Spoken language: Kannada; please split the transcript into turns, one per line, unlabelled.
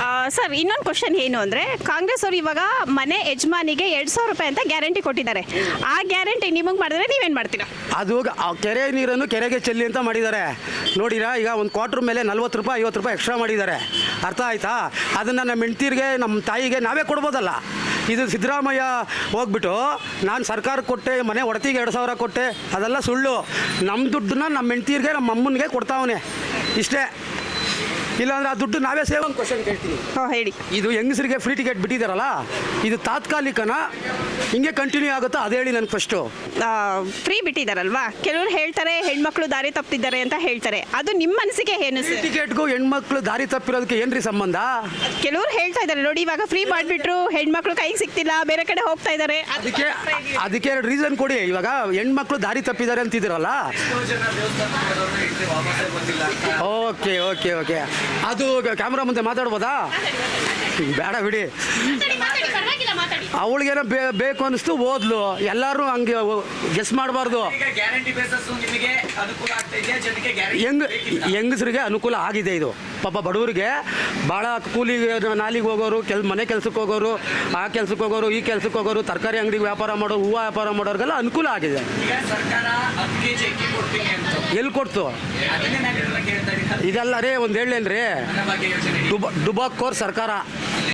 ಸರ್ ಇನ್ನೊಂದು ಕ್ವಶನ್ ಏನು ಅಂದರೆ ಕಾಂಗ್ರೆಸ್ ಅವರು ಇವಾಗ ಮನೆ ಯಜಮಾನಿಗೆ 2,000 ರೂಪಾಯಿ ಅಂತ ಗ್ಯಾರಂಟಿ ಕೊಟ್ಟಿದ್ದಾರೆ. ಆ ಗ್ಯಾರಂಟಿ ನಿಮಗೆ ಮಾಡಿದ್ರೆ ನೀವೇನು ಮಾಡ್ತೀರಾ?
ಅದು ಆ ಕೆರೆ ನೀರನ್ನು ಕೆರೆಗೆ ಚೆಲ್ಲಿ ಅಂತ ಮಾಡಿದ್ದಾರೆ. ನೋಡಿರಾ, ಈಗ ಒಂದು ಕ್ವಾರ್ಟರ್ ಮೇಲೆ 40 ರೂಪಾಯಿ 50 ರೂಪಾಯಿ ಎಕ್ಸ್ಟ್ರಾ ಮಾಡಿದ್ದಾರೆ. ಅರ್ಥ ಆಯ್ತಾ? ಅದನ್ನು ನಮ್ಮ ಹೆಂಡ್ತಿರಿಗೆ ನಮ್ಮ ತಾಯಿಗೆ ನಾವೇ ಕೊಡ್ಬೋದಲ್ಲ. ಇದು ಸಿದ್ದರಾಮಯ್ಯ ಹೋಗ್ಬಿಟ್ಟು ನಾನು ಸರ್ಕಾರಕ್ಕೆ ಕೊಟ್ಟೆ, ಮನೆ ಒಡತಿಗೆ 2,000 ಕೊಟ್ಟೆ, ಅದೆಲ್ಲ ಸುಳ್ಳು. ನಮ್ಮ ದುಡ್ಡನ್ನ ನಮ್ಮ ಹೆಂಡ್ತಿರಿಗೆ ನಮ್ಮ ಅಮ್ಮನಿಗೆ ಕೊಡ್ತಾವನೆ, ಇಷ್ಟೇ. ಇಲ್ಲಾಂದ್ರೆ ಆ ದುಡ್ಡು ನಾವೇ ಸೇವ್. ಒಂದು ಕ್ವಶನ್ ಕೇಳ್ತೀನಿ,
ಹೇಳಿ.
ಇದು ಹೆಂಗಸರಿಗೆ ಫ್ರೀ ಟಿಕೆಟ್ ಬಿಟ್ಟಿದ್ದಾರಲ್ಲ, ಇದು ತಾತ್ಕಾಲಿಕನ ಹಿಂಗೆ ಕಂಟಿನ್ಯೂ ಆಗುತ್ತಾ ಅದು ಹೇಳಿ ನನಗೆ ಫಸ್ಟು.
ಫ್ರೀ ಬಿಟ್ಟಿದ್ದಾರಲ್ವಾ, ಕೆಲವರು ಹೇಳ್ತಾರೆ ಹೆಣ್ಮಕ್ಳು ದಾರಿ ತಪ್ಪಿದ್ದಾರೆ ಅಂತ ಹೇಳ್ತಾರೆ. ಅದು ನಿಮ್ಮ ಮನಸ್ಸಿಗೆ ಏನು
ಫ್ರೀ
ಸರ್?
ಟಿಕೆಟ್ಗೂ ಹೆಣ್ಮಕ್ಳು ದಾರಿ ತಪ್ಪಿರೋದಕ್ಕೆ ಏನ್ರಿ ಸಂಬಂಧ?
ಕೆಲವರು ಹೇಳ್ತಾ ಇದ್ದಾರೆ ನೋಡಿ, ಇವಾಗ ಫ್ರೀ ಮಾಡಿಬಿಟ್ರು ಹೆಣ್ಮಕ್ಳು ಕೈಗೆ ಸಿಗ್ತಿಲ್ಲ, ಬೇರೆ ಕಡೆ ಹೋಗ್ತಾ ಇದ್ದಾರೆ.
ಅದಕ್ಕೆ ಎರಡು ರೀಸನ್ ಕೊಡಿ. ಇವಾಗ ಹೆಣ್ಮಕ್ಳು ದಾರಿ ತಪ್ಪಿದ್ದಾರೆ ಅಂತಿದ್ದೀರಲ್ಲ. ಓಕೆ ಓಕೆ ಓಕೆ, ಅದು ಕ್ಯಾಮ್ರಾ ಮುಂದೆ ಮಾತಾಡ್ಬೋದಾ? ಬೇಡ ಬಿಡಿ. ಅವಳಿಗೇನೋ ಬೇಕು ಅನ್ನಿಸ್ತು ಓದ್ಲು, ಎಲ್ಲರೂ ಹಂಗೆ ಗೆಸ್ ಮಾಡಬಾರ್ದು. ಹೆಂಗಸರಿಗೆ ಅನುಕೂಲ ಆಗಿದೆ ಇದು. ಪಾಪ ಬಡವರಿಗೆ ಭಾಳ ಕೂಲಿಗೆ ನಾಲಿಗೆ ಹೋಗೋರು, ಮನೆ ಕೆಲ್ಸಕ್ಕೆ ಹೋಗೋರು, ಆ ಕೆಲ್ಸಕ್ಕೆ ಹೋಗೋರು, ಈ ಕೆಲ್ಸಕ್ಕೆ ಹೋಗೋರು, ತರಕಾರಿ ಅಂಗಡಿಗೆ ವ್ಯಾಪಾರ ಮಾಡೋರು, ಹೂವು ವ್ಯಾಪಾರ ಮಾಡೋರಿಗೆಲ್ಲ ಅನುಕೂಲ ಆಗಿದೆ. ಎಲ್ಲಿ ಕೊಡ್ತು ಇದೆಲ್ಲ? ರೇ ಒಂದು ಹೇಳೇನ್ರಿ, ಡುಬಾಕೋರ್ ಸರ್ಕಾರ.